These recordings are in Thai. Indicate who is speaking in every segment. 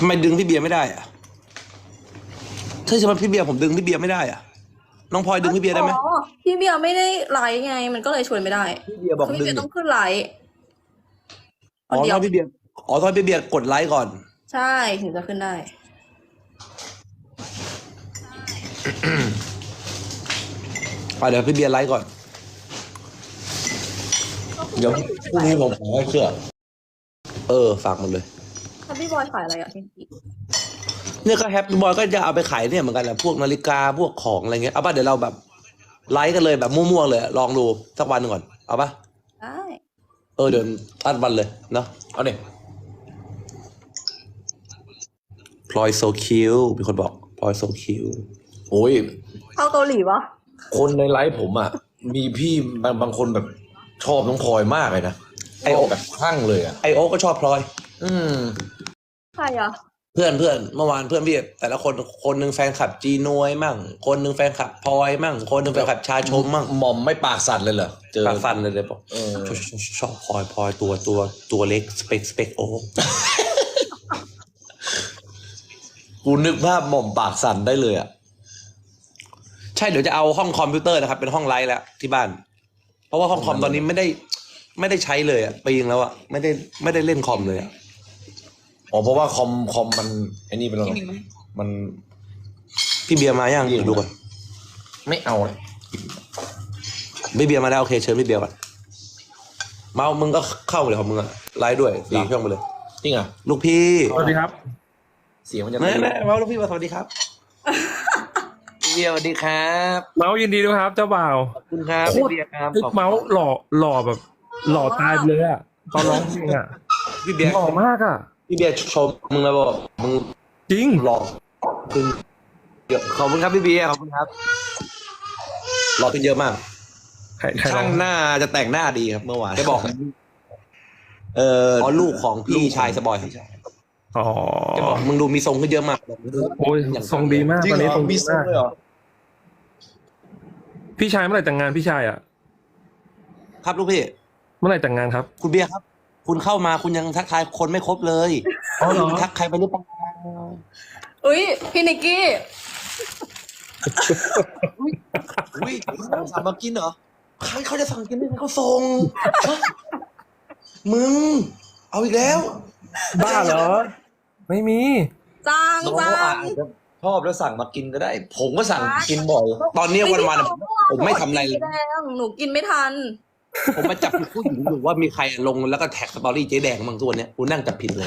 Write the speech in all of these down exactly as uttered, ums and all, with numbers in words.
Speaker 1: ทำไมดึงพี่เบียร์ไม่ได้อะใช่ใช่ไหมพี่เบียร์ผมดึงพี่เบียร์ไม่ได้อะน้องพลอยดึงพี่เบียร์ได้ไหม
Speaker 2: อ๋อพี่เบียร์ไม่ได้ไลฟ์ไง มันก็เลยชวนไม่ได้
Speaker 1: พี่เบียร์บอก
Speaker 2: คือ
Speaker 1: ดึ
Speaker 2: พี่
Speaker 1: ง
Speaker 2: เบียร์ต้องขึ้นไลฟ์ค
Speaker 1: อ๋อน
Speaker 2: เดีย
Speaker 1: ต้
Speaker 2: ว
Speaker 1: องพี่เบียร์อ๋อต้องพี่เบียร์กดไลค์ก่อน
Speaker 2: ใช่ถึงจะขึ้นได้
Speaker 1: อ่ะเดี๋ยวพี่เบียร์ไลค์ก่อน
Speaker 3: เดี๋ยวพรุ่งนี้ผมขอให้เสื้อ
Speaker 1: เออฝากมันเลย
Speaker 2: ถ้าพี่บอยขายอะไรอ่ะพี่
Speaker 1: เนี่ยก็แฮปปี้บอยก็จะเอาไปขายเนี่ยเหมือนกันแหละพวกนาฬิกาพวกของอะไรเงี้ยเอาป่ะเดี๋ยวเราแบบไลค์กันเลยแบบมั่วๆเลยลองดูสักวันหนึ่งก่อนเอาป่ะ
Speaker 2: ได้
Speaker 1: เออเดี๋ยวอัดวันเลยเนาะ
Speaker 3: เอาเนี่ย
Speaker 1: พลอยโซคิวมีคนบอกพลอยโซคิว
Speaker 3: โอ้ย
Speaker 2: เข้าเกาหลีปะ
Speaker 3: คนในไลฟ์ผมอ่ะ มีพี่บางบางคนแบบชอบน้องพลอยมากเลยนะไอโอแบบคลั่งเลยอ่ะ
Speaker 1: ไอโอก็ชอบพลอย
Speaker 3: อืม
Speaker 2: ใครอ่ะ
Speaker 1: เพื่อนเพื่อนเมื่อวานเพื่อนพี่แต่ละคนคนหนึ่งแฟนคลับจีนวยมั่ง คนหนึ่งแฟนคลับพลอยมั่ง คนหนึ่งแฟนคลับชาชมมั่ง
Speaker 3: หม่อมไม่ปากสั่นเลยเหรอเจอ
Speaker 1: ปากฟันเลยเลยบอก
Speaker 3: เออ
Speaker 1: ชอบชอบชอบพลอยพลอยตัวตัวตัวเล็กสเปกสเปกโอ
Speaker 3: กูนึกภาพหม่อมปากสั่นได้เลยอ่ะ
Speaker 1: ใช่เดี๋ยวจะเอาห้องคอมพิวเตอร์นะครับเป็นห้องไลฟ์แล้วที่บ้าน เพราะว่าห้องคอมตอนนี้ไม่ได้ไม่ได้ใช้เลยอะปีนึงแล้วอะไม่ได้ไม่ได้เล่นคอมเลยอะ
Speaker 3: อ๋อเพราะว่าคอมคอมมันไอ้นี่เป็นอะไรมัน
Speaker 1: พี่เบียร์มายังเดี๋ยวดูก่อน
Speaker 3: ไม่เอาเลย
Speaker 1: พี่เบียร์มาแล้วโอเคเชิญพี่เบียร์ก่อนเมามึงก็เข้าเลยของมึงอะไลฟ์ด้วยสี่ช่องไปเลย
Speaker 3: จริงอ่ะ
Speaker 1: ลูกพี่
Speaker 4: สวัสดีครับ
Speaker 3: เสียงมันจะ
Speaker 1: แม่แม่เมาลูกพี่มาสวัสดีครับ
Speaker 3: พี่เบียร์สวัสดีครับ
Speaker 4: เมาส์ยินดีด้วยครับเจ้าบ่าว
Speaker 1: ขอบคุณครับพี่เบียร์ครับ
Speaker 4: เฮ้ย
Speaker 1: ขอบคุณ
Speaker 4: เมาส์หล่อหล่อแบบ หล่อตายไปเลยอะตอนร้องเพลงอะ
Speaker 1: พี่เบียร์
Speaker 4: หล่อมากอะ
Speaker 1: พี่เบียร์ชมมึงแล้วบอกมึง
Speaker 4: จริง
Speaker 1: หล่อขึ้นเยอะขอบคุณครับพี่เบียร์ขอบคุณครับหล่อขึ้นเยอะมาก
Speaker 4: ใครใครร้
Speaker 3: ช่า
Speaker 4: อง
Speaker 3: งหน้าจะแต่งหน้าดีครับเมื่อวาน
Speaker 1: แกบอก
Speaker 3: เออ
Speaker 1: อ๋อลูกของพี่ชายสบอย
Speaker 4: อ๋อ
Speaker 1: แกบอกมึงดูมีทรงขึ้นเยอะมาก
Speaker 4: โอ้ยทรงดีมาก
Speaker 3: จริง
Speaker 4: ตอน
Speaker 3: เหร
Speaker 4: นี้
Speaker 3: อ
Speaker 4: ทรง
Speaker 3: มี
Speaker 4: ดี
Speaker 3: ทรง
Speaker 4: มาก
Speaker 3: เลยเหรอ
Speaker 4: พี่ชายเมื่อไหร่แต่งงานพี่ชายอะ
Speaker 1: ครับลูกพี่
Speaker 4: เมื่อไหร่แต่งงานครับ
Speaker 1: คุณเบียร์ครับ คุณเข้ามาคุณยังทักทายคนไม่ครบเลย
Speaker 4: อ๋อเหรอ
Speaker 1: คุณทักใครไปหรือเปล่า
Speaker 2: อุ้ยพี่นิกกี้
Speaker 1: อุ้ยสั่งมากินเหรอใครเขาจะสั่งกินไม่ให้เขาส่งฮะมึง เอาอีกแล้ว
Speaker 4: บ้าเหรอ ไม่มี
Speaker 2: จัง
Speaker 3: น้อง
Speaker 2: จั
Speaker 3: เขา
Speaker 2: ง
Speaker 3: อาจจะชอบแล้วสั่งมากินก็ได้ ผมก็สั่งกินบ่อย
Speaker 1: ตอนนี้วันวันๆอะผมไม่ทำอะไรเลย
Speaker 2: แดงหนูกินไม่ทัน
Speaker 1: ผมมาจับผิดผู้หญิงอยู่ว่ามีใครลงแล้วก็แท็กสตอรี่เจ๊แดงบางตัวเนี้ยกูนั่งจับผิดเลย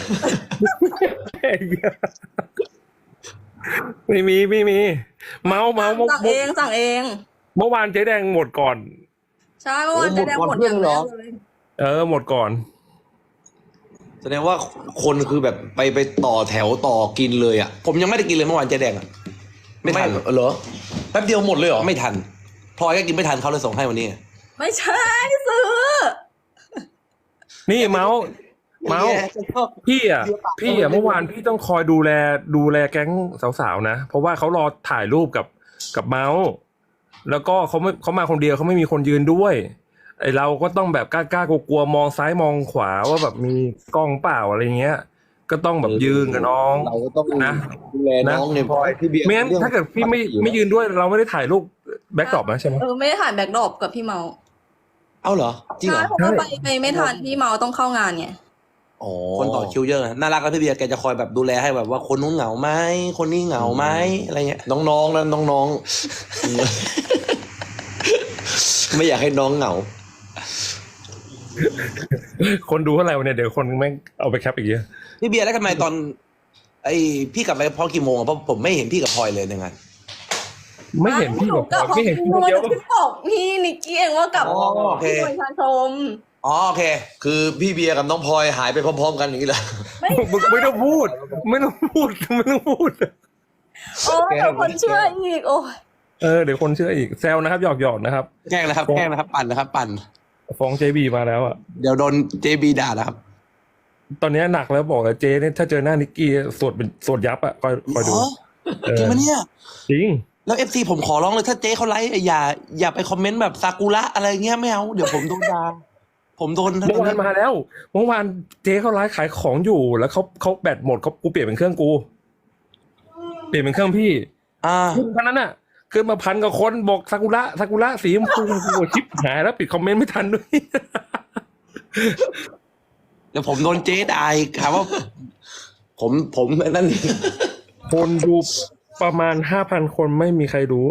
Speaker 4: ไม่มีไม่มี เมาส์เมาส์เมื่อ
Speaker 2: สั่งเองสั่งเอง
Speaker 4: เมื่อวานเจ๊แดงหมดก่อน
Speaker 2: ใช่เมื่อวานเจ๊แดงหมดอย่างแรกเลย
Speaker 4: เออหมดก่อน
Speaker 3: แสดงว่าคนคือแบบไปไปต่อแถวต่อกินเลยอ่ะ
Speaker 1: ผมยังไม่ได้กินเลยเมื่อวานเจ๊แดงอะไม่ทัน
Speaker 3: เหรอแป๊บเดียวหมดเลยเหรอ
Speaker 1: ไม่ทันพลอยก็กินไม่ทันเขาเลยส่งให้วันนี้
Speaker 2: ไม่ใช่ซื้อ
Speaker 4: นี่เมาส์เมาส์พี่อ่ะพี่อ่ะเมื่อวานพี่ต้องคอยดูแลดูแลแก๊งสาวๆนะเพราะว่าเขารอถ่ายรูปกับกับเมาส์แล้วก็เขาไม่เขามาคนเดียวเขาไม่มีคนยืนด้วยไอเราก็ต้องแบบกล้าๆกลัวๆมองซ้ายมองขวาว่าแบบมีกล้องเปล่าอะไรเงี้ย ก็ต้องแบบยืนกับน้อง
Speaker 3: เราก็ต้อง
Speaker 4: นะ
Speaker 3: ดูแลน้องเนี่ยพลอยพี่เบียร์
Speaker 4: ไม่งั้น
Speaker 3: รื่อง
Speaker 4: ถ้าเกิดพี่ไม่ไม่ยืนด้วยเราไม่ได้ถ่ายรูปแบ็คดรอปนะใช่ไหม
Speaker 2: เออไม่ได้ถ่ายแบ็คดรอปกับพี่เมา
Speaker 1: เอาเหรอจริงเหร
Speaker 2: ใช่
Speaker 1: อ
Speaker 2: เพราะว่าไปไปไม่ทันพี่เมาต้องเข้างานไง
Speaker 3: อ๋อ
Speaker 1: คนต่อคิวเยอะน่ารักก็พี่เบียร์แกจะคอยแบบดูแลให้แบบว่าคนนู้นเหงาไหมคนนี้เหงาไหมอะไรเงี้ย
Speaker 3: น้องๆนะน้องๆ ไม่อยากให้น้องเหงา
Speaker 4: คนดูเท่าไหร่วันเนี่ยเดี๋ยวคนแม่งเอาไปแคปอีกเยอะ
Speaker 1: พี่เบียร์แล้วทำไมตอน ไอพี่กลับไปพอกี่โมงอะเพราะผมไม่เห็นพี่กับพลอยเลยในงาน
Speaker 4: ไม่เห็นพี่กับพลอยไม่เห็นพี่คนเดียว
Speaker 2: พี่บอกพี่นิกกี้เองว่ากลับ
Speaker 1: อ๋อโอเค
Speaker 2: พี่ประชาชม
Speaker 1: อ๋อโอเค
Speaker 3: คือพี่เบียร์กับน้องพลอยหายไปพร้อมๆกันอย่างนี้แหละ
Speaker 2: ไม่
Speaker 4: มึงไม่ต้องพูด ไม่ต้องพูดไม่ต้องพูด
Speaker 2: โอ้ยเดี๋ยวคนเชื่ออีกโอ้ย
Speaker 4: เออเดี๋ยวคนเชื่ออีกแซวนะครับหยอกหยอกนะครับ
Speaker 1: แกล้งนะครับแกล้งนะครับ ปั่นนะครับ ปั่น
Speaker 4: ฟ้องเจบีมาแล้วอ่ะ
Speaker 1: เดี๋ยวโดนเจบีด่านะครับ
Speaker 4: ตอนนี้หนักแล้วบอกกับเจเนี่ยถ้าเจอหน้านิกกี้สวดเป็นสวดยับอ่ะคอยคอยดู
Speaker 1: อ๋อ
Speaker 4: เออ
Speaker 1: จริงปะเนี่ย
Speaker 4: จริง
Speaker 1: แล้วเอฟซีผมขอร้องเลยถ้าเจ๊เขาไลฟ์อย่าอย่าไปคอมเมนต์แบบซากุระอะไรเงี้ยไม่เอาเดี๋ยวผมโดนด่าผมโดน
Speaker 4: เมื่อวานมาแล้วเมื่อวานเจ๊เขาไลฟ์ขายของอยู่ แล้วเขาเขาแบตหมดเขากูเปลี่ยนเป็นเครื่องกู เปลี่ยนเป็นเครื่องพี่
Speaker 1: อ่า
Speaker 4: เพราะนั้นอ่ะคือมาพันกับคนบอกซากุระซากุระสีชมพูกูชิปหายแล้วปิดคอมเมนต์ไม่ทันด้วย
Speaker 1: เดี๋ยวผมโดนเจ๊ด่าอีกครับว่า ผมผมนั่น
Speaker 4: คนดูประมาณห้าพันคนไม่มีใครรู้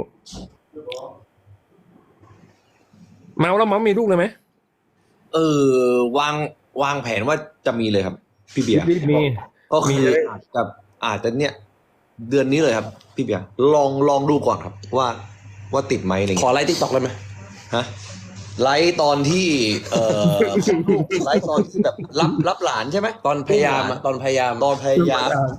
Speaker 4: เมาแล้วเมามีลูกเลยไหม
Speaker 3: เออวางวางแผนว่าจะมีเลยครับ พี่เบียร์
Speaker 4: มีมี
Speaker 3: ก็คืออาจจะอาจจะเนี่ย เดือนนี้เลยครับ พี่เบียร์ลองลองดูก่อนครับ ว่าว่าติดไหมอะไร
Speaker 1: ขอ
Speaker 3: เงี้ย
Speaker 1: ไลฟ์ติ๊กต็อกเลยไหม
Speaker 3: ฮะไลฟ์ตอนที่เอ่อ ไลฟ์ตอนที่แบบรับรับหลานใช่ไหม
Speaker 1: ตอนพยายามอะตอนพยายาม
Speaker 3: ตอนพยายาม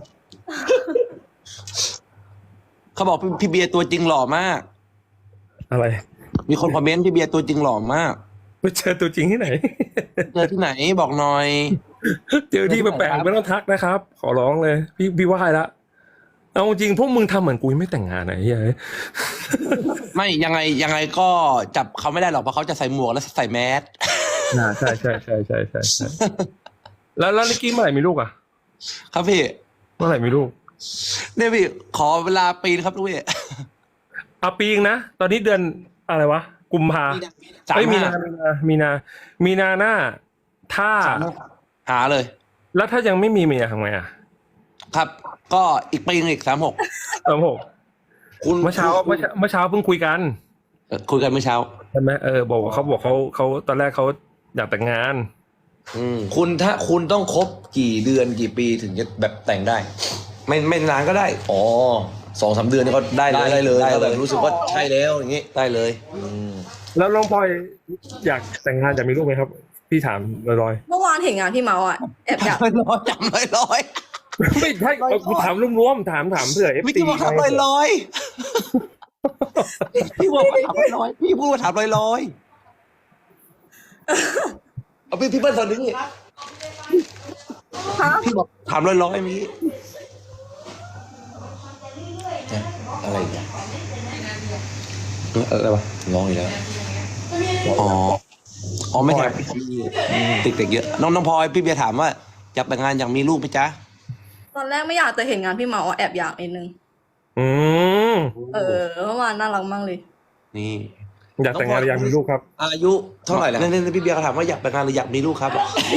Speaker 1: เขาบอกพี่พี่เบียร์ตัวจริงหล่อมาก
Speaker 4: อะไร
Speaker 1: มีคนคอมเมนต์พี่เบียร์ตัวจริงหล่อมาก
Speaker 4: ไม่เจอตัวจริงที่ไหน
Speaker 1: เจอที่ไหนบอกหน่อย
Speaker 4: เจอที่แปลกๆไม่ต้องทักนะครับ ขอร้องเลย พี่พี่ว่าละเอาจริงพวกมึงทำเหมือนกูยังไม่แต่งงานไหนเฮ้ย
Speaker 1: ไม่ยังไงยังไงก็จับเขาไม่ได้หรอกเพราะเขาจะใส่หมวกและใส่แมส
Speaker 4: น่าใช่ใช่ใช่ใช่ใช่ใช่แล้วแล้วนิกกี้เมื่อไหร่มีลูกอ่ะ
Speaker 1: ครับพี่
Speaker 4: เมื่อไหร่มีลูก
Speaker 1: เนี่ยพี่ขอเวลาปีนครับลูกพี่
Speaker 4: เอาปีงนะตอนนี้เดือนอะไรวะกุมภา
Speaker 1: สาม
Speaker 4: เอ้ยมี
Speaker 1: ห้า
Speaker 4: นามีนามีนามีนาหน้า ถ้า
Speaker 1: หาเลย
Speaker 4: แล้วถ้ายังไม่มีเมียทำไงอ่ะ
Speaker 1: ครับ ก็อีกปีนึงอีกสามหก
Speaker 4: เออโห
Speaker 3: คุณ
Speaker 4: เมื่อเช้าเมื่อเช้าเมื่อเช้าเพิ่งคุยกัน
Speaker 1: คุยกันเมื่อเช้า
Speaker 4: ใช่ไหมเออบอกว่าเขาบอกเขาเขาตอนแรกเขาอยากแต่งงาน
Speaker 1: อืม
Speaker 3: คุณถ้าคุณต้องครบกี่เดือนกี่ปีถึงจะแบบแต่งได้
Speaker 1: ไม่ไม่นานก็ได้
Speaker 3: อ๋อสองสามเดือนนี่ก็
Speaker 1: ได้เลย
Speaker 3: ได้เลย
Speaker 1: ได้เลย
Speaker 3: ถ้าแบบรู้สึกว่าใช่แล้วอย่างงี้
Speaker 1: ได้เลย
Speaker 3: อืม
Speaker 4: แล้วน้องพลอยอยากแต่งงานอยากมีลูกไหมครับ พี่ถามลอย
Speaker 2: เมื่อวานเห็นงานพี่เมาอ่ะแอบอยาก
Speaker 1: ลอยจำลอยลอย
Speaker 4: ๆ ไม่ใช่เอากูถามรวมๆถามถามเผื่อเอฟ
Speaker 1: ไม่
Speaker 4: ซี
Speaker 1: ใช่ว่าถามลอยลอยพี่บอกว่าถามลอยลอยพี่พูดว่าถามลอยลอยเอาพี่พี่เปิ้ลตอนนี้
Speaker 2: ฮะ
Speaker 1: พี่บอกถามลอยลอยเมื่อกี้
Speaker 3: อะไรอีกเนี่ย
Speaker 1: อะไรวะ
Speaker 3: ร้องอีกแล้ว
Speaker 1: อ๋ออ๋อไม่ใช่ติดเด็กเยอะน้องน้องพลอยพี่เบียร์ถามว่าอยากแต่งงานอยากมีลูกไหมจ๊ะ
Speaker 2: ตอนแรกไม่อยากแต่เห็นงานพี่เมาอ่ะแอบอยากนิดนึง
Speaker 4: อืม
Speaker 2: เออเมื่อวานน่ารักมากเลย
Speaker 1: นี่
Speaker 4: อยากแต่งงานหรืออยากมีลูกครับ
Speaker 3: อายุเท่าไหร่แล้ว
Speaker 1: นี่นี่พี่เบียร์เขาถามว่าอยากแต่งงานหรืออยากมีลูกครับ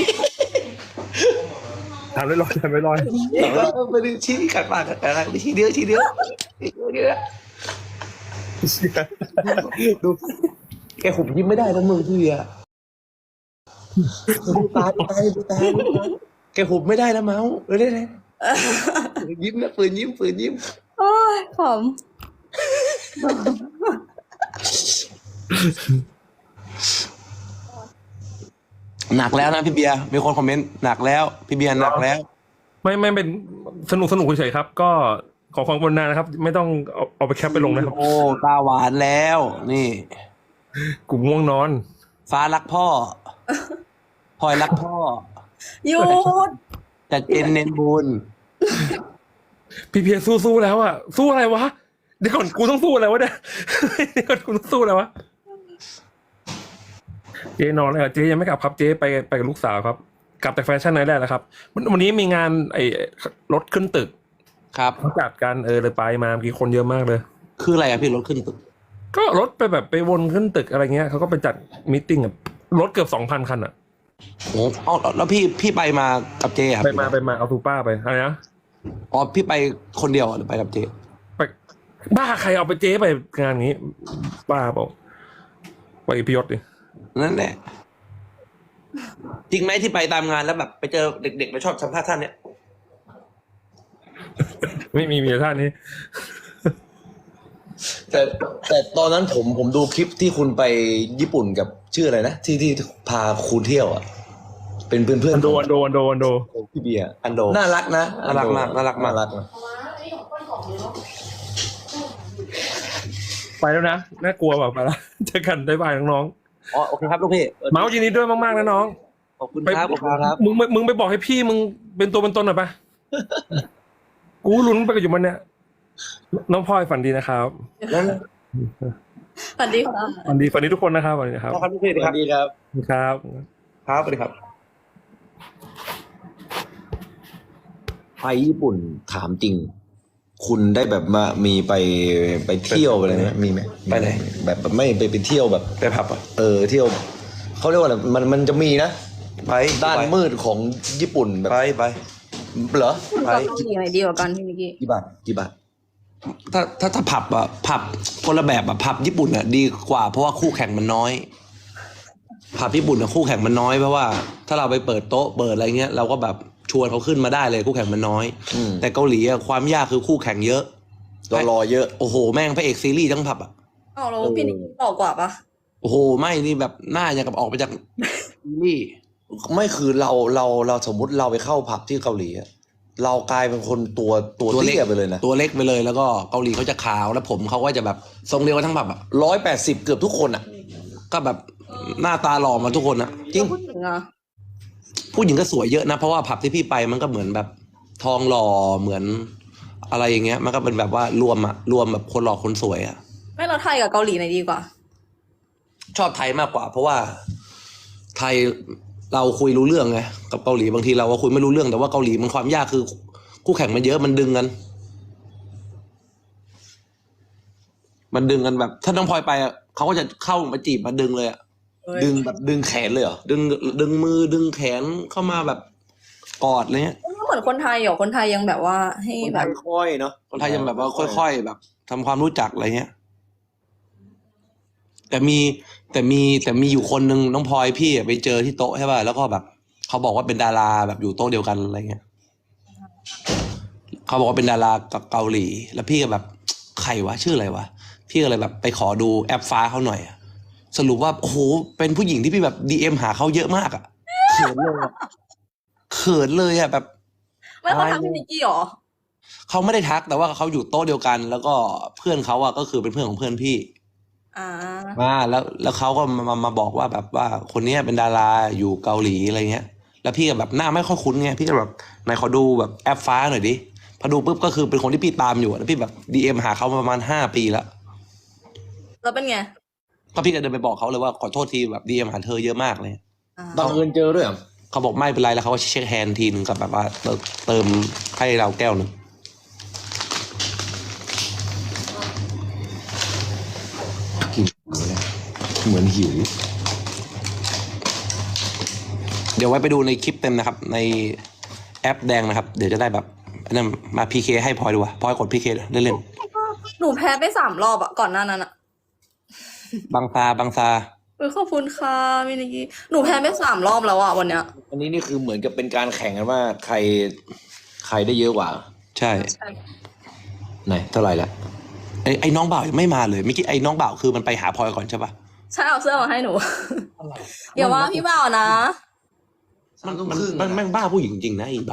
Speaker 4: ถามลอยๆถามลอย
Speaker 1: ไม่ได้ชี้ขัดปากขัดอะไรไม่ชี้เดียวชี้เดียวชี้เดียวดูแกขุบยิ้มไม่ได้นะมึงพี่เบียร์ดูตาดูตาดูตาแกขุบไม่ได้นะเมาส์เลยได้เลยยิ้มนะฝืนยิ้มฝืนยิ้ม
Speaker 2: โอ้ยขำ
Speaker 1: หนักแล้วนะพี่เบียร์มีคนคอมเมนต์หนักแล้วพี่เบียร์หนักแล้ว
Speaker 4: ๆไม่ไม่เป็นสนุกสนุกเฉยๆครับ ก็ขอความกรุณานะครับ ไม่ต้องเอาเอาไปแคปไปลงนะครับ
Speaker 1: โอ้ตาหวานแล้ว นี่
Speaker 4: กลุ่มง่วงนอน
Speaker 1: ฟ้ารักพ่อพลอยรักพ่อ
Speaker 2: หยุด
Speaker 1: จัดเจนเน้นบุญ
Speaker 4: พี่เพียรสู้ๆแล้วอ่ะ สู้อะไรวะเดี๋ยวก่อนกูต้องสู้อะไรวะเนี่ย เดี๋ยวก่อนกูต้องสู้อะไรวะเจ๊นอนเลยอ่ะเจ๊ยังไม่กลับครับเจ๊ไปไปกับลูกสาวครับ กลับจากแฟชั่นไนท์แรกแล้วครับวันวันนี้มีงานไอ้รถขึ้นตึก
Speaker 1: ครับ
Speaker 4: เขาจัดกันเออเลยไปมาเมื่อกี้คนเยอะมากเลย
Speaker 1: คืออะไรอะพี่รถขึ้นตึก
Speaker 4: ก็รถไปแบบไปวนขึ้นตึกอะไรเงี้ยเขาก็ไปจัดมีตติ้งกับรถเกือบสองพันคันอ่ะ
Speaker 1: โอ้เอาแล้วพี่พี่ไปมากับเจครับ
Speaker 4: ไปมาไปมาเอาทูป้าไปอะไรนะ
Speaker 1: อ๋อพี่ไปคนเดียวหรือไปกับเจ
Speaker 4: ไปบ้าใครเอาไปเจ๊ไปงานนี้ บ้าเปล่าไปพิยศดิ
Speaker 1: นั่นแหละจริงไหมที่ไปตามงานแล้วแบบไปเจอเด็กๆมาชอบสัมภาษณ์ท่านเนี่ย
Speaker 4: ไม่มีมีแต่ท่านนี้
Speaker 3: แต่แต่ตอนนั้นผมผมดูคลิปที่คุณไปญี่ปุ่นกับชื่ออะไรนะที่ที่พาคุณเที่ยวอ่ะ เป็นเพื่อนเพื่อน
Speaker 4: อันโดอันโดอันโดอันโด
Speaker 3: ของพี่เบียร์
Speaker 1: อันโด
Speaker 3: น่ารักนะ
Speaker 1: น่ารักมากน่ารักมาก
Speaker 3: น่ารักนะ
Speaker 4: ไปแล้วนะน่ากลัวแบบไปแล้วเจอกันบ๊ายบายน้อง
Speaker 1: อ๋อโอเคครับลูกพี่
Speaker 4: ๆเมาส์ยินดีด้วยมากๆนะน้อง
Speaker 1: ขอบคุณ
Speaker 4: ไป
Speaker 1: ครับขอบคุณครับ
Speaker 4: มึงมึงไปบอกให้พี่มึงเป็นตัวเป็นตนหน่อยปะ กูลุ้นไปกับอยู่มันเนี่ยน้องพลอยฝันดีนะครับ
Speaker 1: นั่น
Speaker 2: สวัสดีค่ะ
Speaker 4: ฝันดีฝันดีทุกคนนะครับฝันดีครับ
Speaker 1: ครับลูกพี่
Speaker 3: ส
Speaker 1: ค
Speaker 3: วั
Speaker 1: รับ
Speaker 3: สดีครับ
Speaker 4: ครับ
Speaker 1: ครับสวัสดีครับ
Speaker 3: ไปญี่ปุ่นถามจริง คุณได้แบบมามีไปไปเที่ยวอะไรไหมมีไหม
Speaker 1: ไปไหน
Speaker 3: แบบแบบไม่ไปไปเที่ยวแบบ
Speaker 1: ไปผับอ่ะ
Speaker 3: เออเที่ยวเขาเรียกว่าอะไรมันมันจะมีนะ
Speaker 1: ไป
Speaker 3: ด้าน
Speaker 1: ไป
Speaker 3: มืดของญี่ปุ่นแบบ
Speaker 1: ไปไป
Speaker 3: เหรอ
Speaker 2: คุณกับเกาหลีไหนดีกว่ากันพี่มิกกี้
Speaker 3: กี่บาทกี่บาท
Speaker 1: ถ้าถ้าถ้าผับอ่ะผับคนละแบบอ่ะผับญี่ปุ่นอ่ะดีกว่าเพราะว่าคู่แข่งมันน้อย ผับญี่ปุ่นอ่ะคู่แข่งมันน้อยเพราะว่าถ้าเราไปเปิดโต๊ะเปิดอะไรเงี้ยเราก็แบบชวนเขาขึ้นมาได้เลยคู่แข่งมันน้อย
Speaker 3: อืม
Speaker 1: แต่เกาหลีอ่ะความยากคือคู่แข่งเยอะ
Speaker 3: รอรอเยอะ
Speaker 1: โอ้โหแม่งพระเอกซีรีส์ทั้งผับอ่ะ
Speaker 2: อ้าวแล้วพี่นิกกี้หล่อกว่าปะ
Speaker 1: โอ้โหไม่นี่แบบหน้าอย่างกับออกมาจากซีรีส์
Speaker 3: ไม่คือเราเราเราสมมุติเราไปเข้าผับที่เกาหลีอะเรากลายเป็นคนตัวตัวเตี้ยไปเลยนะ
Speaker 1: ตัวเล็กไปเลยแล้วก็เกาหลีเขาจะขาวแล้วผมเขาก็จะแบบทรงเดียวกันทั้งผับอ่ะ
Speaker 3: ร้อยแปดสิบเกือบทุกคนอ่ะ
Speaker 1: ก็แบบหน้าตาหล่อมาทุกคนอะ
Speaker 3: จริง
Speaker 2: แล้วผู้หญิงอะ
Speaker 1: ผู้หญิงก็สวยเยอะนะเพราะว่าผับที่พี่ไปมันก็เหมือนแบบทองหล่อเหมือนอะไรอย่างเงี้ย มันก็เป็นแบบว่ารวมอะรวมแบบคนหล่อคนสวยอะ
Speaker 2: ไม่เราไทยกับเกาหลีไหนดีกว่า
Speaker 1: ชอบไทยมากกว่า เพราะว่าไทยเราคุยรู้เรื่องไงกับเกาหลีบางทีเราก็คุยไม่รู้เรื่องแต่ว่าเกาหลีมันความยากคือคู่แข่งมันเยอะมันดึงกัน มันดึงกันแบบ ถ้าน้องพลอยไปอะเขาก็จะเข้ามาจีบมาดึงเลยอะ
Speaker 3: ดึงแบบดึงแขนเลยเหรอ
Speaker 1: ดึงดึงมือดึงแขนเข้ามาแบบกอดอะไรเงี้ย
Speaker 2: ไม่เหมือนคนไทยเหรอคนไทยยังแบบว่าให้แบบ
Speaker 3: ค่อยๆเนาะ
Speaker 1: คนไทยยังแบบว่าค่อย ๆ แบบทำความรู้จักอะไรเงี้ย แต่มีแต่มีแต่มีอยู่คนหนึ่งน้องพลอยพี่อะไปเจอที่โต๊ะใช่ป่ะแล้วก็แบบเขาบอกว่าเป็นดาราแบบอยู่โต๊ะเดียวกันอะไรเงี้ยเขาบอกว่าเป็นดารากับเกาหลี แล้วพี่ก็แบบใครวะชื่ออะไรวะพี่ก็เลยแบบไปขอดูแอปฟ้าเขาหน่อยอะสรุปว่าโอ้โหเป็นผู้หญิงที่พี่แบบดีเอ็มหาเขาเยอะมากอะเขินเลยอะเขินเลยอะแบบ
Speaker 2: ไม่เขาทำพี่นิกกี้เหรอ
Speaker 1: เขาไม่ได้ทักแต่ว่าเขาอยู่โต๊ะเดียวกัน แล้วก็เพื่อนเขาอะก็คือเป็นเพื่อนของเพื่อนพี่
Speaker 2: อ่า
Speaker 1: มาแล้วแล้วเขาก็มามามาบอกว่าแบบว่าคนเนี้ยเป็นดาราอยู่เกาหลีอะไรเงี้ย แล้วพี่ก็แบบหน้าไม่ค่อยคุ้นไงพี่ก็แบบไหนขอดูแบบแอปฟ้าหน่อยดิพอดูปุ๊บก็คือเป็นคนที่พี่ตามอยู่อะแล้วพี่แบบดีเอ็มหาเขามาประมาณห้าปีแล้ว
Speaker 2: แล้วเป็นไง
Speaker 1: ก็พี่ก็เดินไปบอกเขาเลยว่าขอโทษทีแบบดีเอ็มหาเธอเยอะมากเลย
Speaker 2: อ่า
Speaker 3: บังเอิญเจอด้วยเหรอ
Speaker 1: เขาบอกไม่เป็นไรแล้วเขาก็เช็คแฮนด์ทีนึงกับแบบว่าเติมเติมให้เราแก้วหนึ่ง
Speaker 3: กินเหมือนหิว
Speaker 1: เดี๋ยวไว้ไปดูในคลิปเต็มนะครับ ในแอปแดงนะครับ เดี๋ยวจะได้แบบอันนั้นมาพีเคให้พลอยดูว่ะพลอยกดพีเคเล่น
Speaker 2: หนูแพ้ไปสามรอบอะก่อนหน้านั้นอะ
Speaker 1: ๆบางซาบางซา
Speaker 2: เออขอบคุณค่ะพี่นิกกี้หนูแพ้ไปสามรอบแล้วอะวันเนี้ย
Speaker 3: อันนี้นี่คือเหมือนกับเป็นการแข่งกันว่าใครใครได้เยอะกว่า
Speaker 1: ใช่
Speaker 2: ใช่
Speaker 3: ไหนเท่าไหร่ละ
Speaker 1: ไอ้ไอ้น้องบ่าวยังไม่มาเลยเมื่อกี้ไอ้น้องบ่าวคือมันไปหาพลอยก่อนใช่ปะ
Speaker 2: ใช่เอาเสื้อมาให้หนูอย่าว่าพี่บ่าวนะ
Speaker 1: มันมันมันแม่งบ้าผู้หญิงจริงนะไอ้บ่าว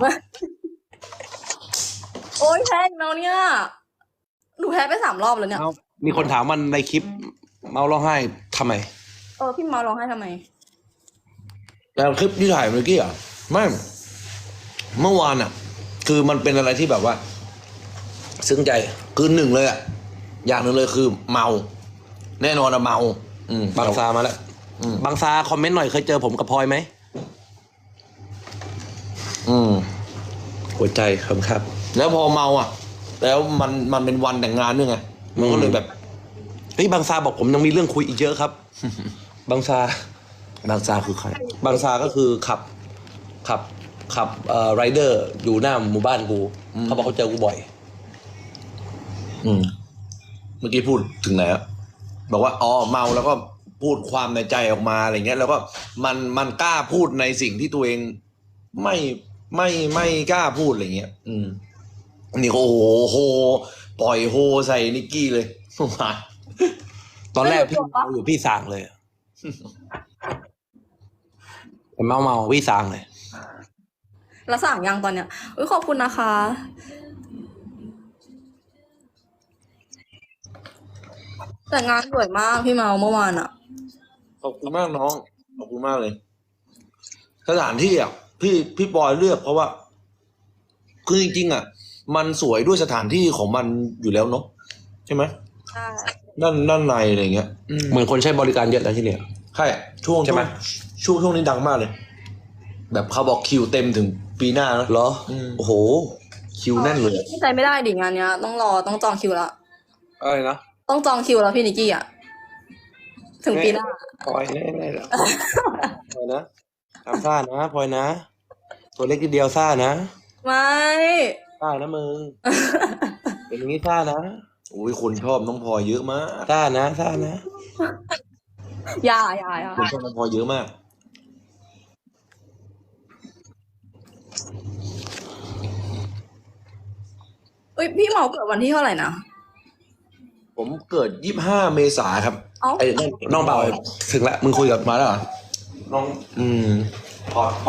Speaker 2: โอ๊ยแพ้อีกแล้วเนี่ยหนูแพ้ไปสามรอบแล้วเนี่ย
Speaker 1: มีคนถามมันในคลิปเมาร้องไห้ทำไม
Speaker 2: เออพี่เมาร้องไห้ทำไม
Speaker 3: แล้วคลิปที่ถ่ายเมื่อกี้อ่ะไม่ เมื่อวานอ่ะ คือมันเป็นอะไรที่แบบว่า ซึ้งใจคือหนึ่งเลยอ่ะ อย่างหนึ่งเลยคือเมา แน่นอนอะเมา อืม
Speaker 1: บางซามาแล้ว
Speaker 3: อืม
Speaker 1: บางซาคอมเมนต์หน่อยเคยเจอผมกับพลอยไหม
Speaker 3: อืม
Speaker 1: หัวใจครับครับ
Speaker 3: แล้วพอเมาอ่ะ แล้วมันมันเป็นวันแต่งงานด้วยไงมันก็เลยแบบ
Speaker 1: เฮ้ยบางซาบอกผมยังมีเรื่องคุยอีกเยอะครับ บางซา
Speaker 3: บางซาคือใคร
Speaker 1: บางซาก็คือขับ ขับ ขับเอ่อไรเดอร์อยู่หน้าหมู่บ้านกู
Speaker 3: อืม
Speaker 1: เขาบอกเขาเจอกูบ่อย
Speaker 3: อืม เมื่อกี้พูดถึงไหนอะบอกว่าอ๋อเมาแล้วก็พูดความในใจออกมาอะไรเงี้ย แล้วก็มันมันกล้าพูดในสิ่งที่ตัวเองไม่ไม่ไม่กล้าพูดอะไรเงี้ย อืมนี่ก็โอ้โหโหปล่อยโฮใส่นิกกี้เลย มา
Speaker 1: ตอนแรก
Speaker 2: ไม่
Speaker 1: พี่
Speaker 2: รู้ตัวปะ
Speaker 1: เมาอยู่พี่สางเลยอะ เมาเมาพี่สางเลย
Speaker 2: แล้วสั่งยังตอนเนี้ยอุ้ยขอบคุณนะคะ แต่งานสวยมากพี่เมาเมื่อวานอะ
Speaker 3: ขอบคุณมากน้อง ขอบคุณมากเลย สถานที่อ่ะพี่พี่ปอยเลือกเพราะว่า คือจริงๆอ่ะ มันสวยด้วยสถานที่ของมันอยู่แล้วเนาะใช่ไหม
Speaker 2: ใช่
Speaker 3: ด้านด้านในอะไรเงี้ย
Speaker 1: เหมือนคนใช้บริการเยอะนะที่เนี่ย
Speaker 3: ใช่ช่วง
Speaker 1: ใช่ไหม
Speaker 3: ช่วงช่วงนี้ดังมากเลย แบบเขาบอกคิวเต็มถึงปีหน้าแล้ว
Speaker 1: เหรอ
Speaker 3: อืม
Speaker 1: โอ้โห
Speaker 3: คิวแน่นเลย
Speaker 2: ใจไม่ได้ดิงานเนี้ย ต้องรอต้องจองคิวละ
Speaker 1: อะไรนะ
Speaker 2: ต้องจองคิวแล้วพี่นิกกี้อ่ะ ถึงปีหน้า
Speaker 1: พลอยแน่แน่แล้วพลอยนะทำซ่านะพลอยนะ ตัวเล็กทีเดียวซ่านะ
Speaker 2: ไม่
Speaker 1: ซ่านะมึง เป็นอย่างนี้ซ่านะ
Speaker 3: โอ้ยคนชอบน้องพลอยเยอะมาก
Speaker 1: ซ่านะซ่านะ
Speaker 2: อย่าอย่าอย่า
Speaker 3: คนชอบน้องพลอยเยอะมาก
Speaker 2: เอ้ยพี่เหมาเกิดวันที่เท่าไหร่นะ
Speaker 3: ผมเกิดยี่สิบห้าเมษาครับ
Speaker 2: เอ้า
Speaker 3: ไอ้น้อง
Speaker 1: น้องเบาถึงละมึงคุยกับ
Speaker 3: มาแล้วเหรอ
Speaker 1: น้อง
Speaker 3: อืม
Speaker 1: พอพอ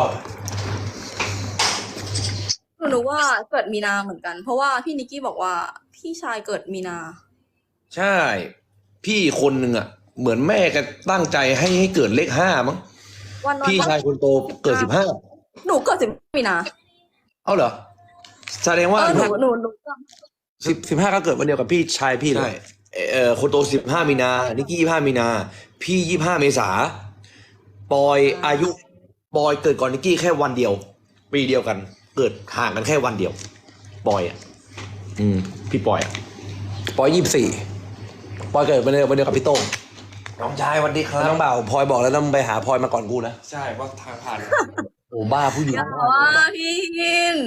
Speaker 2: หนูรู้ว่าเกิดมีนาเหมือนกัน เพราะว่าพี่นิกกี้บอกว่าพี่ชายเกิดมีนา
Speaker 3: ใช่ พี่คนหนึ่งอ่ะ เหมือนแม่ก็ตั้งใจให้ให้เกิดเลขห้ามั้ง
Speaker 2: วันวัน
Speaker 3: พี่ชายคนโตเกิดสิบห้า
Speaker 2: หนูเกิดสิบมีนา
Speaker 3: เอ้าเหรอ แสดง
Speaker 2: เอ
Speaker 3: ว่า
Speaker 2: อหนูหนูหนู
Speaker 1: สิบสิบห้าก็เกิดวันเดียวกับพี่ชายพี่เล
Speaker 3: ใช่
Speaker 1: ย
Speaker 3: เอ่อคนโตสิบห้ามีนา นิกกี้ยี่ห้ามีนา พี่ยี่ห้าเมษา ปอยอายุ ปอยเกิดก่อนนิกกี้แค่วันเดียว ปีเดียวกัน เกิดห่างกันแค่วันเดียว ปอยอ่ะ อืม พี่ปอยอ่ะ
Speaker 1: ปอยยี่สิบสี่ปอยเกิดวันเดียววันเดียวกับพี่โต้ง
Speaker 3: น้องชายวันดีครั
Speaker 1: น้องเบาพลอยบอกแล้วต้องไปหาพลอยมาก่อนกูนะ
Speaker 4: ใช่ว่าทางผ่าน
Speaker 1: โอ้บ้าผู้หญิง
Speaker 2: อย่าม
Speaker 1: าก
Speaker 2: ว่าพี่กิน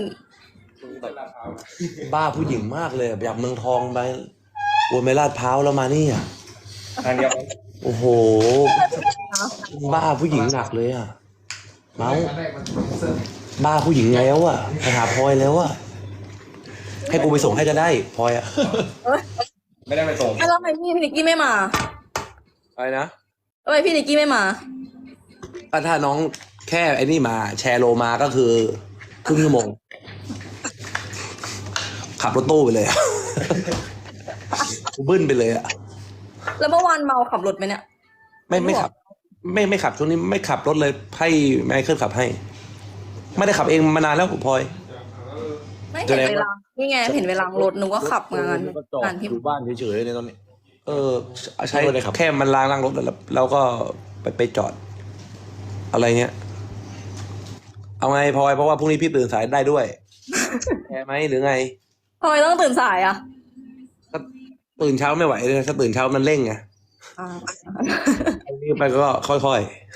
Speaker 1: บ้าผู้หญิงมากเลยอยากเมืองทองไปวนไปลาดพร้าวแล้วมานี่อ่ะ
Speaker 4: ทางเดียว
Speaker 1: โอ้โห บ้าผู้หญิงหนักเลยอ่ะ เมาส์บ้าผู้หญิงแล้วอ่ะไปหาพลอยแล้วอ่ะ ให้กูไปส่งให้ก็ได้พลอยอ่ะ
Speaker 4: ไม่ได้ไปส่ง
Speaker 2: แล้วทำไมพี่นิกกี้ไม่มา
Speaker 1: อะไรนะ
Speaker 2: ทำไมพี่นิกกี้ไม่มา
Speaker 1: ก็ถ้าน้องแค่ไอ้นี่มา แชร์โลมาก็คือครึ่งชั่วโมง ขับรถตู้ไปเลยอะ กูบึ้นไปเลยอ่ะ
Speaker 2: แล้วเมื่อวานเมาขับรถไหมเนี่ย
Speaker 1: ไม่ไม่ขับ ไม่ไม่ขับช่วงนี้ไม่ขับรถเลยให้ไมเคิลขับให้ ไม่ได้ขับเองมานานแล้วผมพลอย
Speaker 2: ไม่เห็นเวลา นี่ไงเห็นเวลารถหนูก็ขับงาน
Speaker 3: ก็จอด
Speaker 2: งานพี่
Speaker 3: อยู่บ้านเฉยๆเลยตอนนี้
Speaker 1: เออ ใช้
Speaker 3: ไม่ได้ขับ
Speaker 1: แค่มันล้างล้างรถแล้วเราก็ไปไปจอด อะไรเงี้ย เอาไงพลอยเพราะว่าพรุ่งนี้พี่ตื่นสายได้ด้วย แพ้ไหมหรือไง
Speaker 2: ทำไมต้องตื่นสายอ่ะ
Speaker 1: ก็ตื่นเช้าไม่ไหวเลยถ้าตื่นเช้ามันเร่งไง
Speaker 2: อ่า
Speaker 1: อันนี้ไปก็ค่อย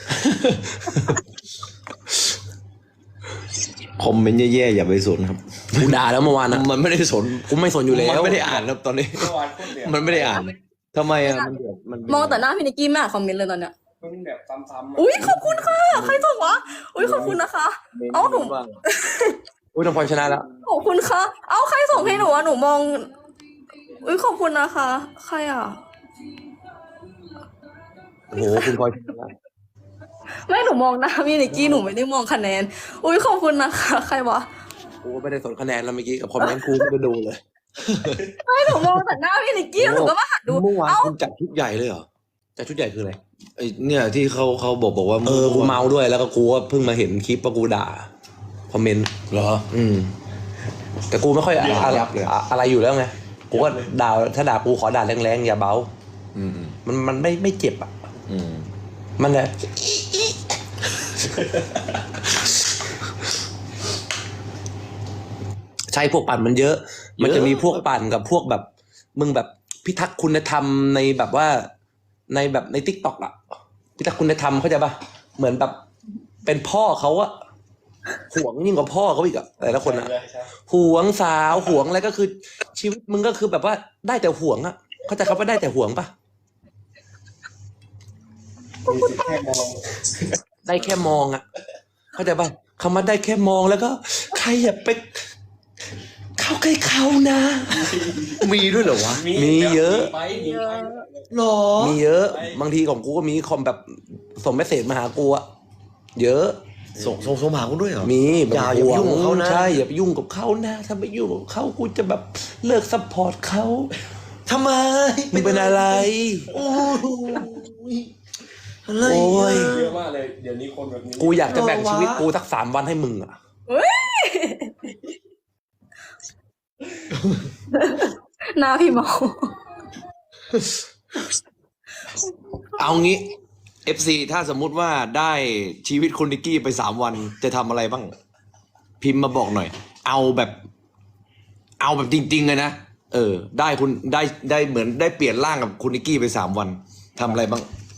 Speaker 3: คอมเมนต์แย่ๆอย่าไปสนครับ
Speaker 1: ๆ กูด่าแล้วเมื่อวานนะ
Speaker 3: มันไม่ได้สน
Speaker 1: กูไม่สนอยู่แล้ว
Speaker 3: มันไม่ได้อ่านครับตอนนี้
Speaker 4: เมื่อวานคนเดียว
Speaker 3: มันไม่ได้อ่านทำไมอ่ะมันเดือดมัน
Speaker 2: มองแต่หน้าพี่นิกกี้ไม่อ่านคอมเมนต์เลยตอนเนี้ย
Speaker 4: เพิ่งแบบซ้ำๆ
Speaker 2: อุ้ยขอบคุณค่ะ ใครส่งวะ อุ้ยขอบคุณนะคะ เอ้าหนู
Speaker 3: บ้าง
Speaker 1: อุ้ยน้องพลอยชนะแล้ว
Speaker 2: ขอบคุณค่ะ เอ้าใครส่งให้หนูอะหนูมอง อุ้ยขอบคุณนะคะ ใครอ่ะ
Speaker 1: โอ้โหคุณพลอยชนะแล้ว
Speaker 2: ไม่หนูมองหน้าพี่นิกกี้หนูไม่ได้มองคะแนน อุ้ยขอบคุณนะคะ ใครวะ
Speaker 1: กูก็ไม่ได้สนคะแนนแล้วเมื่อกี้กับคอมเมนต์กูไม่ได้ดูเลย
Speaker 2: ไม่หนูมองแต่หน้าพี่นิกกี้แล้วหนูก็มาหันดู
Speaker 3: เมื่อวาน
Speaker 2: เอ้า
Speaker 3: คุณจัดชุดใหญ่เลยเหรอ
Speaker 1: แต่ชุดใหญ่คืออะไร
Speaker 3: ไอเนี่ยที่เขาเขาบอกบอกว่า
Speaker 1: เออ กูเมาด้วยแล้วก็กูก็เพิ่งมาเห็นคลิปว่ากูด่า คอมเมนต์
Speaker 3: เหรอ
Speaker 1: อืม แต่กูไม่ค่อยอะ
Speaker 3: ยับยับเลย
Speaker 1: อะอะไรอยู่แล้วไง กูก็ด่าถ้าด่ากูขอด่าแรงๆอย่าเบา
Speaker 3: อืม
Speaker 1: มันมันไม่ไม่เจ็บอ่ะ
Speaker 3: อืม
Speaker 1: มันแหละ ใช่พวกปั่นมันเยอะ มันจะมีพวกปั่นกับพวกแบบ มึงแบบพิทักษ์คุณธรรมในแบบว่า ในแบบในทิกตอกอะพิทักษ์คุณธรรมเข้าใจปะเหมือนแบบเป็นพ่อเขาอะห่วงยิ่งกว่าพ่อเขาอีกอะแต่ละคนอะห่วงสาวห่วงอะไรก็คือ ชีวิตมึงก็คือแบบว่าได้แต่ห่วงอะเข้าใจคำว่าได้แต่ห่วงปะได้แค่มองอะเข้าใจปะคำว่าได้แค่มองแล้วก็ใครอย่าไปเข้าใกล้เขานะ
Speaker 3: มีด้วยเหรอวะ
Speaker 1: มีเยอะ
Speaker 4: ไปมีไป
Speaker 3: หรอ
Speaker 1: มีเยอะ บางทีของกูก็มีคอมแบบส่งเมสเซจมาหากูอะเยอะ
Speaker 3: ส่งส่งส่งมาหาคุณด้วยเหรอ
Speaker 1: มีแบบ
Speaker 3: อย่าอย่าไปยุ่งกับเขานะ
Speaker 1: ใช่อย่าไปยุ่งกับเขานะถ้าไปยุ่งกับเขากูจะแบบเลิกซัพพอร์ตเขา
Speaker 3: ทำไม
Speaker 1: มึงเป็นอะไร
Speaker 3: โอ้ยอะไร
Speaker 1: โอ้ย
Speaker 4: เยอะมากเลย เดี๋ยวนี้คนแบบนี้
Speaker 1: กูอยากจะแบ่งชีวิตกูสักสามวันให้มึงอะ
Speaker 2: หน้าพี่เมา
Speaker 3: เอางี้เอฟซีถ้าสมมุติว่าได้ชีวิตคุณนิกกี้ไปสามวันจะทำอะไรบ้าง พิมพ์มาบอกหน่อย เอาแบบ เอาแบบจริงๆเลยนะเออ ได้คุณได้ได้เหมือนได้เปลี่ยนร่างกับคุณนิกกี้ไปสามวันทำอะไรบ้าง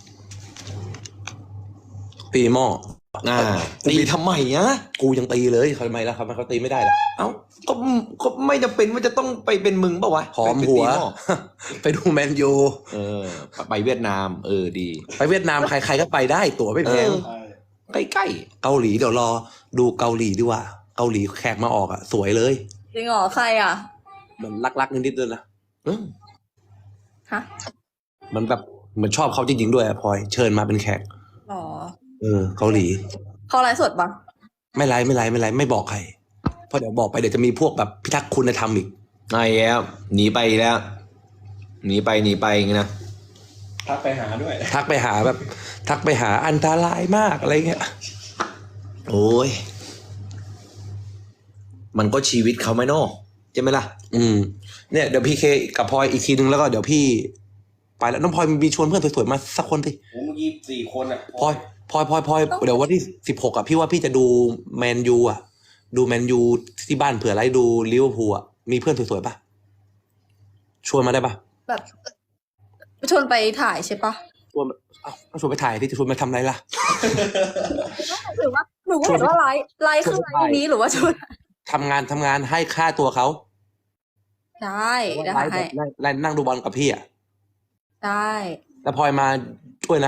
Speaker 1: ตีหม้อ
Speaker 3: อ่าตีทำไมอะ
Speaker 1: กูยังตีเลยทำไมล่ะครับเขาตีไม่ได้ล่ะ
Speaker 3: เอ้าก็ก็ไม่จำเป็นว่าจะต้องไปเป็นมึงปะวะ
Speaker 1: หอมหัว
Speaker 3: ไปตีม้อ
Speaker 1: ไปดูแมนยู
Speaker 3: เออ ไปเวียดนาม เออดี
Speaker 1: ไปเวียดนามใครๆก็ไปได้ตั๋วไม่แพง
Speaker 3: เออ ใกล้
Speaker 1: เกาหลีเดี๋ยวรอดูเกาหลีดีกว่า เกาหลีแขกมาออกอ่ะ สวยเลย
Speaker 2: จริงเหรอใครอ่ะ
Speaker 1: มันรักๆนิดๆเลยนะ
Speaker 3: ๆอืม
Speaker 2: ฮะ
Speaker 1: มันแบบเหมือนชอบเขาจริงๆด้วยอะพลอยเชิญมาเป็นแขก
Speaker 2: หรอ
Speaker 1: เออเกาหลี
Speaker 2: เขาไลฟ์สดปะ
Speaker 1: ไม่ไลฟ์ไม่ไลฟ์ไม่ไลฟ์ไม่บอกใครเพราะเดี๋ยวบอกไปเดี๋ยวจะมีพวกแบบพิทักษ์คุณธรรมอีก
Speaker 3: ไอ้แล้วหนีไปแล้ว หนีไปหนีไปอย่างงี้นะ
Speaker 4: ทักไปหาด้วย
Speaker 1: ทักไปหาแบบ ทักไปหาอันตรายมากอะไรเงี้ย
Speaker 3: โอ้ย มันก็ชีวิตเขาไหมเนาะใช่ไหมล่ะ
Speaker 1: อืมเนี่ยเดี๋ยวพี่เคกับพลอยอีกทีนึงแล้วก็เดี๋ยวพี่ ไปแล้วน้องพลอยมีชวนเพื่อนสวยๆมาสักคนสิ
Speaker 5: ผมเมื่อกี้สี่คนอ่ะ
Speaker 1: พลอยพลอยพลอยพลอยเดี๋ยววันที่สิบหกอ่ะพี่ว่าพี่จะดูแมนยูอ่ะ ดูแมนยูที่บ้านเผื่อไลฟ์ดูลิเวอร์พูลอ่ะมีเพื่อนสวยๆปะชวนมาได้ปะ
Speaker 2: แบบชวนไปถ่ายใช่ปะ
Speaker 1: ชวนเอ้าก็ชวนไปถ่ายที่จะชวนมาทำอะไรล่ะ
Speaker 2: หรือว่าหนูก็เห็นว่าไลฟ์ไลฟ์คือไลฟ์นี้หรือว่าชวน
Speaker 1: ทำงานทำงานให้ค่าตัวเขา
Speaker 2: ได้ได้
Speaker 1: ไลฟ์
Speaker 2: ให้
Speaker 1: แบบไลฟ์นั่งดูบอลกับพี่อ่ะ
Speaker 2: ได้
Speaker 1: แล้วพลอยมาช่วยนะ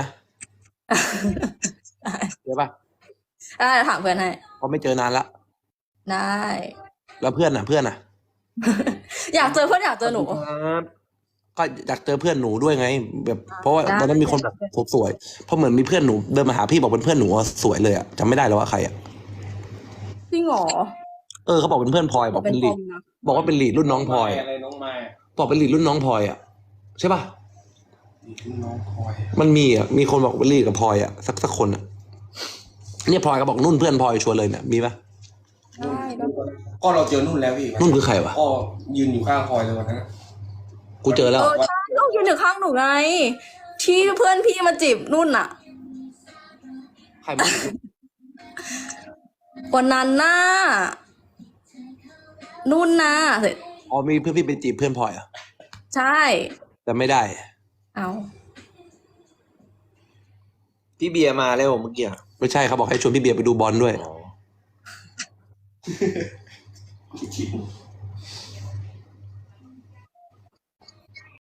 Speaker 1: เดี๋ยวปะ
Speaker 2: ได้ถามเพื่อนให้
Speaker 1: เพราะไม่เจอนานละ
Speaker 2: ได้
Speaker 1: แล้วเพื่อนอ่ะเพื่อนอ่ะ
Speaker 2: อยากเจอเพื่อนอยากเจอหนู
Speaker 1: ก็อยากเจอเพื่อนหนูด้วยไง แบบเพราะว่า
Speaker 2: ได้
Speaker 1: ตอนนั้นมีคนแบบสวยๆเพราะเหมือนมีเพื่อนหนูเดินมาหาพี่บอกเป็นเพื่อนหนูอะสวยเลยอ่ะจำไม่ได้แล้วว่าใครอ่ะ
Speaker 2: จริงเหรอ
Speaker 1: เออเขาบอกเป็นเพื่อนพลอยบอก
Speaker 2: เป็
Speaker 1: เป็น น
Speaker 2: ท
Speaker 1: ลี
Speaker 2: อ
Speaker 1: ด
Speaker 2: มนะ
Speaker 1: บอกว่าเป็นลีดรุ่นน้องพลอย
Speaker 5: อะไรน้องไม้
Speaker 1: บอกเป็นลีดรุ่นน้องพลอยอ่ะใช่ป่ะ
Speaker 5: นี่คือน้องคอย
Speaker 1: มันมีอ่ะมีคนบอกเป็นลีดกับพลอยอ่ะสักสักคนอ่ะเนี่ยพลอยก็บอกนุ่นเพื่อนพลอยชวนเลยเนี่ยมีปะ
Speaker 2: ได้ได้
Speaker 5: ก็เราเจอนุ่นแล้วพี่
Speaker 1: นุ่นคือใครวะ
Speaker 5: ก็ยืนอยู่ข้างคอยเลยวันนั้น
Speaker 1: กูเจอแล้ว
Speaker 2: เออใช่ต้องยืนอยู่ข้างหนูไง ที่เพื่อนพี่มาจีบนุ่นอะ
Speaker 1: ใครไม่
Speaker 2: วันนั้นน่ะนุ่นนะเสร็จ
Speaker 1: อ๋อมีเพื่อนพี่ไปจีบเพื่อนพลอยอ่ะ
Speaker 2: ใช่
Speaker 1: แต่ไม่ได้
Speaker 2: เอา
Speaker 3: พี่เบียร์มาแล้วเมื่อกี้อะ
Speaker 1: ไม่ใช่เขาบอกให้ชวนพี่เบียร์ไปดูบอลด้วย
Speaker 3: อ๋อ